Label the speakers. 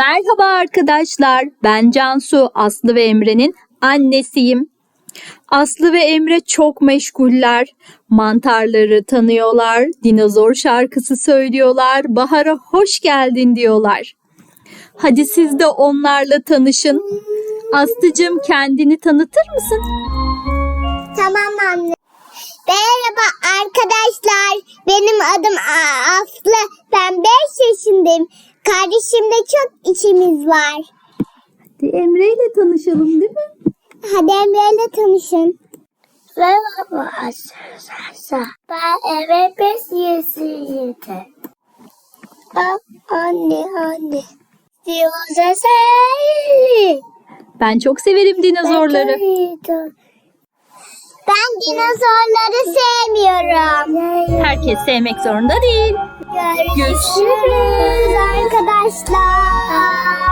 Speaker 1: Merhaba arkadaşlar, ben Cansu, Aslı ve Emre'nin annesiyim. Aslı ve Emre çok meşguller. Mantarları tanıyorlar, dinozor şarkısı söylüyorlar, bahara hoş geldin diyorlar. Hadi siz de onlarla tanışın. Aslıcığım kendini tanıtır mısın?
Speaker 2: Tamam anne. Merhaba arkadaşlar. Benim adım Aslı. Ben 5 yaşındayım. Kardeşimle çok işimiz var.
Speaker 1: Hadi Emre ile tanışalım değil mi?
Speaker 2: Hadi Emre'yle tanışın. Merhaba arkadaşlar. Ben eve 5 yaşındayım. Anne.
Speaker 1: Ben çok severim dinozorları.
Speaker 2: Ben dinozorları sevmiyorum.
Speaker 1: Herkes sevmek zorunda değil.
Speaker 2: Görüşürüz arkadaşlar.